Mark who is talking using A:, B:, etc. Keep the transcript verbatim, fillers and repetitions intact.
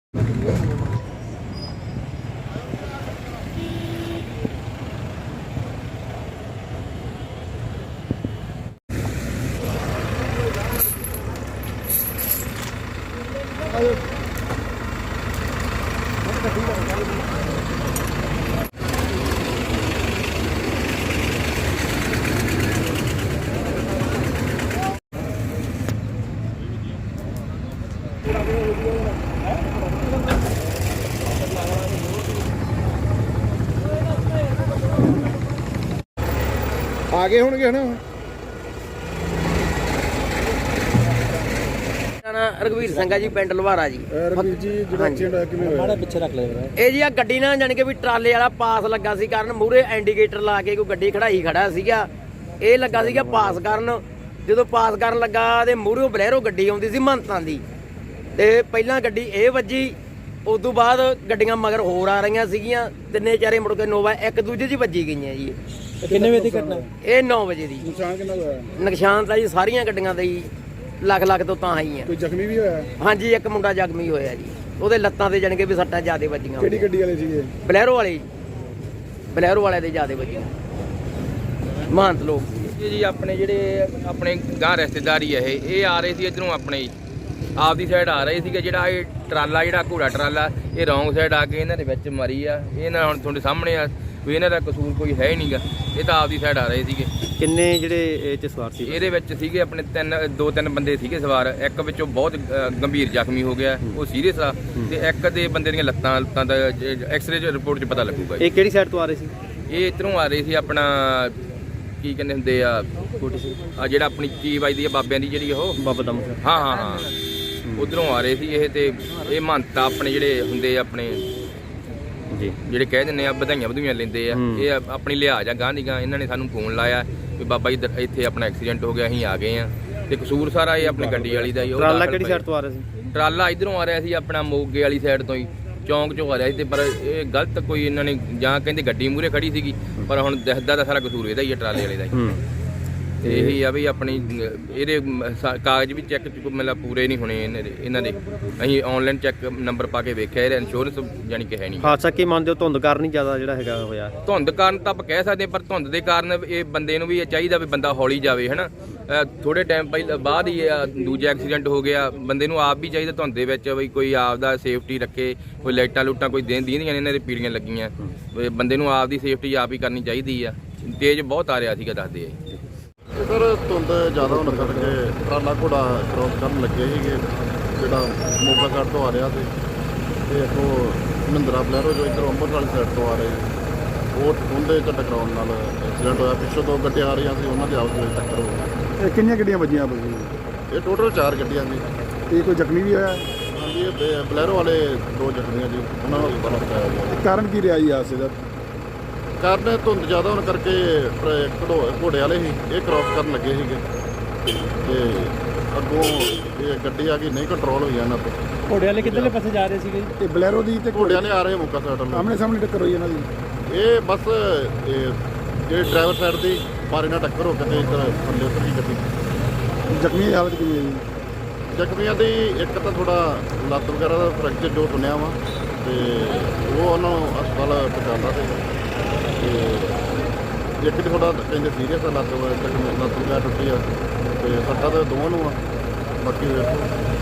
A: ਆ ਗਏ ਹੋਣਗੇ ਨਾ।
B: ਰਘਵੀਰ ਸਿੰਘ ਆ ਜੀ, ਪਿੰਡ ਲਵਾਰਾ ਜੀ।
A: ਰਘਵੀਰ ਜੀ ਜਿਹੜਾ ਐਕਸੀਡੈਂਟ ਹੋਇਆ ਕਿਵੇਂ ਹੋਇਆ?
B: ਪਿੱਛੇ ਰੱਖ ਲਿਆ ਇਹ ਜੀ ਆ ਗੱਡੀ ਨਾਲ ਜਾਣੀ ਕਿ ਵੀ ਟਰਾਲੇ ਵਾਲਾ ਪਾਸ ਲੱਗਾ ਸੀ ਕਰਨ, ਮੂਹਰੇ ਇੰਡੀਕੇਟਰ ਲਾ ਕੇ ਕੋਈ ਗੱਡੀ ਖੜਾਈ ਖੜਾ ਸੀਗਾ। ਇਹ ਲੱਗਾ ਸੀਗਾ ਪਾਸ ਕਰਨ, ਜਦੋਂ ਪਾਸ ਕਰਨ ਲੱਗਾ ਤੇ ਮੂਹਰੇ ਬਲੈਰੋ ਗੱਡੀ ਆਉਂਦੀ ਸੀ ਮਹੰਤਾਂ ਦੀ, ਤੇ ਪਹਿਲਾਂ ਗੱਡੀ ਇਹ ਵੱਜੀ, ਉਸ ਤੋਂ ਬਾਅਦ ਗੱਡੀਆਂ ਮਗਰ ਹੋਰ ਆ ਰਹੀਆਂ ਸੀਗੀਆਂ, ਤਿੰਨੇ ਚਾਰੇ ਮੁੜ ਕੇ ਨੋਵਾ ਇੱਕ ਦੂਜੇ 'ਚ ਵੱਜੀ ਗਈਆਂ ਜੀ।
C: ਕਿੰਨੇ ਵਜੇ ਦੀ ਘਟਨਾ?
B: ਇਹ ਨੌ ਵਜੇ ਦੀ।
A: ਨੁਕਸਾਨ ਕਿੰਨਾ ਹੋਇਆ?
B: ਨੁਕਸਾਨ ਤਾਂ ਜੀ ਸਾਰੀਆਂ ਗੱਡੀਆਂ ਦਾ ਹੀ ਲੱਖ ਲੱਖ ਤੋਂ ਤਾਂ ਆਈ ਆ।
A: ਕੋਈ ਜ਼ਖਮੀ ਵੀ ਹੋਇਆ?
B: ਹਾਂਜੀ, ਇੱਕ ਮੁੰਡਾ ਜ਼ਖਮੀ ਹੋਇਆ ਜੀ, ਉਹਦੇ ਲੱਤਾਂ ਤੇ ਜਾਣ ਕੇ ਵੀ ਸੱਟਾਂ ਜ਼ਿਆਦੇ ਵੱਜੀਆਂ।
A: ਕਿਹੜੀ ਗੱਡੀ ਵਾਲੇ ਸੀਗੇ?
B: ਬਲੈਰੋ ਵਾਲੇ ਜੀ, ਬਲੈਰੋ ਵਾਲੇ ਦੇ ਜ਼ਿਆਦੇ ਵੱਜੀਆਂ, ਮਹੰਤ ਲੋਕ
D: ਇਹ ਜੀ ਆਪਣੇ ਜਿਹੜੇ ਆਪਣੇ ਗਾਂ ਰਿਸ਼ਤੇਦਾਰੀ ਹੈ ਇਹ ਇਹ ਆ ਰਹੇ ਸੀ ਇੱਧਰੋਂ ਆਪਣੇ ਆਪਦੀ ਸਾਈਡ ਆ ਰਹੇ ਸੀਗੇ। ਜਿਹੜਾ ਇਹ ਟਰਾਲਾ ਜਿਹੜਾ ਘੋੜਾ ਟਰਾਲਾ ਇਹ ਰੌਂਗ ਸਾਈਡ ਆ ਕੇ ਇਹਨਾਂ ਦੇ ਵਿੱਚ ਮਾਰੀ ਆ। ਇਹ ਨਾ ਹੁਣ ਤੁਹਾਡੇ ਸਾਹਮਣੇ ਆ ਵੀ ਇਹਨਾਂ ਦਾ ਕਸੂਰ ਕੋਈ ਹੈ ਹੀ ਨਹੀਂਗਾ, ਇਹ ਤਾਂ ਆਪਦੀ ਸਾਈਡ ਆ ਰਹੇ ਸੀਗੇ।
C: ਕਿੰਨੇ ਜਿਹੜੇ ਇਹ 'ਚ ਸਵਾਰ ਸੀ?
D: ਇਹਦੇ ਵਿੱਚ ਸੀਗੇ ਆਪਣੇ ਤਿੰਨ ਦੋ ਤਿੰਨ ਬੰਦੇ ਸੀਗੇ ਸਵਾਰ, ਇੱਕ ਵਿੱਚੋਂ ਬਹੁਤ ਅ, ਗੰਭੀਰ ਜ਼ਖਮੀ ਹੋ ਗਿਆ, ਉਹ ਸੀਰੀਅਸ ਆ, ਤੇ ਇੱਕ ਦੇ ਬੰਦੇ ਦੀਆਂ ਲੱਤਾਂ ਲੱਤਾਂ ਦਾ ਐਕਸਰੇ ਰਿਪੋਰਟ 'ਚ ਪਤਾ ਲੱਗੂਗਾ।
C: ਇਹ ਕਿਹੜੀ ਸਾਈਡ ਤੋਂ ਆ ਰਹੇ ਸੀ?
D: ਇਹ ਇੱਧਰੋਂ ਆ ਰਹੇ ਸੀ ਆਪਣਾ ਕੀ ਕਹਿੰਦੇ ਹੁੰਦੇ ਆ ਆ ਜਿਹੜਾ ਆਪਣੀ ਕੀ ਵੱਜਦੀ ਆ ਬਾਬਿਆਂ ਦੀ ਜਿਹੜੀ ਉਹ
C: ਬਾਬਾ ਦਮ ਸਿੰਘ।
D: ਹਾਂ ਹਾਂ ਹਾਂ ਉਧਰੋਂ ਆ ਰਹੇ ਸੀ ਇਹ, ਤੇ ਇਹ ਮਹੰਤਾ ਆਪਣੇ ਜਿਹੜੇ ਹੁੰਦੇ ਆ ਆਪਣੇ
C: ਜੀ
D: ਜਿਹੜੇ ਕਹਿ ਦਿੰਦੇ ਆ ਵਧਾਈਆਂ ਵਧੂਈਆਂ ਲੈਂਦੇ ਆ, ਇਹ ਆਪਣੀ ਲਿਹਾਜ਼ ਆ ਗਾਂ ਦੀ ਗਾਂ। ਇਹਨਾਂ ਨੇ ਸਾਨੂੰ ਫੋਨ ਲਾਇਆ ਵੀ ਬਾਬਾ ਜੀ ਇੱਥੇ ਆਪਣਾ ਐਕਸੀਡੈਂਟ ਹੋ ਗਿਆ, ਅਸੀਂ ਆ ਗਏ ਆ, ਤੇ ਕਸੂਰ ਸਾਰਾ ਇਹ ਆਪਣੀ ਗੱਡੀ ਵਾਲੀ ਦਾ ਹੀ। ਉਹ
C: ਟਰਾਲਾ ਕਿਹੜੀ ਸਾਈਡ ਤੋਂ ਆ ਰਿਹਾ ਸੀ?
D: ਟਰਾਲਾ ਇਧਰੋਂ ਆ ਰਿਹਾ ਸੀ ਆਪਣਾ ਮੋਗੇ ਵਾਲੀ ਸਾਈਡ ਤੋਂ ਹੀ, ਚੌਂਕ ਚੋਂ ਆ ਰਿਹਾ ਸੀ, ਤੇ ਪਰ ਇਹ ਗਲਤ ਕੋਈ ਇਹਨਾਂ ਨੇ ਜਾਂ ਕਹਿੰਦੇ ਗੱਡੀ ਮੂਹਰੇ ਖੜੀ ਸੀਗੀ, ਪਰ ਹੁਣ ਦਿਖਦਾ ਤਾਂ ਸਾਰਾ ਕਸੂਰ ਇਹਦਾ ਹੀ ਆ, ਟਰਾਲੇ ਵਾਲੇ ਦਾ ਹੀ। ਤੇ ਇਹੀ ਆ ਵੀ ਆਪਣੀ ਇਹਦੇ ਕਾਗਜ਼ ਵੀ ਚੈੱਕ ਮਤਲਬ ਪੂਰੇ ਨਹੀਂ ਹੋਣੇ ਇਹਨਾਂ ਦੇ ਇਹਨਾਂ ਦੇ ਅਸੀਂ ਆਨਲਾਈਨ ਚੈੱਕ ਨੰਬਰ ਪਾ ਕੇ ਵੇਖਿਆ, ਇਹਦਾ ਇੰਸ਼ੋਰੈਂਸ ਯਾਨੀ ਕਿ ਹੈ ਨਹੀਂ।
C: ਹਾਦਸਾ ਕੀ ਮੰਨਦੇ ਹੋ? ਧੁੰਦ ਕਾਰਨ ਹੀ ਜ਼ਿਆਦਾ ਜਿਹੜਾ ਹੈਗਾ ਹੋਇਆ?
D: ਧੁੰਦ ਕਾਰਨ ਤਾਂ ਆਪਾਂ ਕਹਿ ਸਕਦੇ, ਪਰ ਧੁੰਦ ਦੇ ਕਾਰਨ ਇਹ ਬੰਦੇ ਨੂੰ ਵੀ ਇਹ ਚਾਹੀਦਾ ਵੀ ਬੰਦਾ ਹੌਲੀ ਜਾਵੇ, ਹਨਾ। ਥੋੜੇ ਟਾਈਮ ਪਹਿਲਾਂ ਬਾਅਦ ਹੀ ਦੂਜਾ ਐਕਸੀਡੈਂਟ ਹੋ ਗਿਆ, ਬੰਦੇ ਨੂੰ ਆਪ ਵੀ ਚਾਹੀਦਾ ਧੁੰਦ ਦੇ ਵਿੱਚ ਵੀ ਕੋਈ ਆਪ ਦਾ ਸੇਫਟੀ ਰੱਖੇ, ਕੋਈ ਲਾਈਟਾਂ ਲੂਟਾਂ ਕੋਈ ਦੇਣ ਦੀਆਂ ਇਹਨਾਂ ਦੇ ਪੀੜੀਆਂ ਲੱਗੀਆਂ, ਬੰਦੇ ਨੂੰ ਆਪ ਦੀ ਸੇਫਟੀ ਆਪ ਹੀ ਕਰਨੀ ਚਾਹੀਦੀ ਆ। ਤੇਜ਼ ਬਹੁਤ ਆ ਰਿਹਾ ਸੀਗਾ ਦੱਸਦੇ ਆ।
E: ਸਰ ਧੁੰਦ ਜ਼ਿਆਦਾ ਹੋਣ ਕਰਕੇ ਟਰਾਲਾ ਘੋੜਾ ਕ੍ਰੋਸ ਕਰਨ ਲੱਗੇ ਸੀਗੇ, ਜਿਹੜਾ ਮੋਗਾ ਸਾਈਡ ਤੋਂ ਆ ਰਿਹਾ ਸੀ, ਤੇ ਇੱਥੋਂ ਮਹਿੰਦਰਾ ਬਲੈਰੋ ਜੋ ਇੱਧਰੋਂ ਅੰਮ੍ਰਿਤਸਰ ਵਾਲੀ ਸਾਈਡ ਤੋਂ ਆ ਰਹੇ, ਉਹ ਉਹਦੇ 'ਚ ਟਕਰਾਉਣ ਨਾਲ ਐਕਸੀਡੈਂਟ ਹੋਇਆ। ਪਿੱਛੋਂ ਦੋ ਗੱਡੀਆਂ ਆ ਰਹੀਆਂ ਸੀ, ਉਹਨਾਂ ਦੀ ਆਪਸ ਵਿੱਚ ਟੱਕਰ ਹੋ ਗਈ।
A: ਇਹ ਕਿੰਨੀਆਂ ਗੱਡੀਆਂ ਵੱਜੀਆਂ ਬਈ?
E: ਇਹ ਟੋਟਲ ਚਾਰ ਗੱਡੀਆਂ ਸੀ।
A: ਤੇ ਕੋਈ ਜ਼ਖਮੀ ਵੀ ਹੋਇਆ?
E: ਹਾਂਜੀ, ਇਹ ਬਲੈਰੋ ਵਾਲੇ ਦੋ ਜ਼ਖਮੀਆਂ ਜੀ, ਉਹਨਾਂ ਨੂੰ ਹਸਪਤਾਲ ਪਹੁੰਚਾਇਆ ਗਿਆ।
A: ਕਾਰਨ ਕੀ ਰਿਹਾ ਜੀ ਹਾਦਸੇ ਦਾ?
E: ਕਾਰਨ ਧੁੰਦ ਜ਼ਿਆਦਾ ਹੋਣ ਕਰਕੇ ਘੜੋ ਘੋੜੇ ਵਾਲੇ ਸੀ, ਇਹ ਕ੍ਰੋਸ ਕਰਨ ਲੱਗੇ ਸੀਗੇ, ਤੇ ਅੱਗੋਂ ਇਹ ਗੱਡੀ ਆ ਗਈ, ਨਹੀਂ ਕੰਟਰੋਲ ਹੋਈ ਇਹਨਾਂ ਤੋਂ।
C: ਘੋੜੇ ਵਾਲੇ ਕਿੱਧਰਲੇ ਪਾਸੇ ਜਾ ਰਹੇ ਸੀਗੇ?
A: ਇਹ ਬਲੈਰੋ ਦੀ ਤੇ
E: ਘੋੜੇ ਵਾਲੇ ਆ ਰਹੇ ਮੋਗਾ ਸਾਈਡ ਨੂੰ,
A: ਆਮਣੇ ਸਾਹਮਣੇ ਟੱਕਰ ਹੋਈ ਇਹਨਾਂ ਦੀ।
E: ਇਹ ਬਸ ਇਹ ਜਿਹੜੇ ਡਰਾਈਵਰ ਸਾਈਡ ਦੀ ਮਾਰੇ ਨਾਲ ਟੱਕਰ ਹੋ ਕੇ ਤੇ ਇੱਧਰ ਥੱਲੇ ਉੱਤਰ ਗਈ ਗੱਡੀ।
A: ਜ਼ਖਮੀ ਦੀ ਹਾਲਤ ਕਿਵੇਂ ਹੈ ਜੀ?
E: ਜ਼ਖਮੀਆਂ ਦੀ ਇੱਕ ਤਾਂ ਥੋੜਾ ਲੱਤ ਵਗੈਰਾ ਦਾ ਫ੍ਰੈਕਚਰ ਜੋ ਸੁਣਿਆ ਵਾ, ਤੇ ਉਹ ਉਹਨਾਂ ਨੂੰ ਹਸਪਤਾਲ ਪਹੁੰਚਾਉਂਦਾ ਤੇ ਇੱਕ ਦੀ ਥੋੜਾ ਕਹਿੰਦੇ ਸੀਰੀਅਸ ਆ, ਲੱਤ ਲੱਤ ਵਗੈਰਾ ਟੁੱਟੀ ਆ, ਤੇ ਸੱਟਾਂ ਤਾਂ ਦੋਵਾਂ ਨੂੰ ਆ, ਬਾਕੀ ਵੇਖੋ।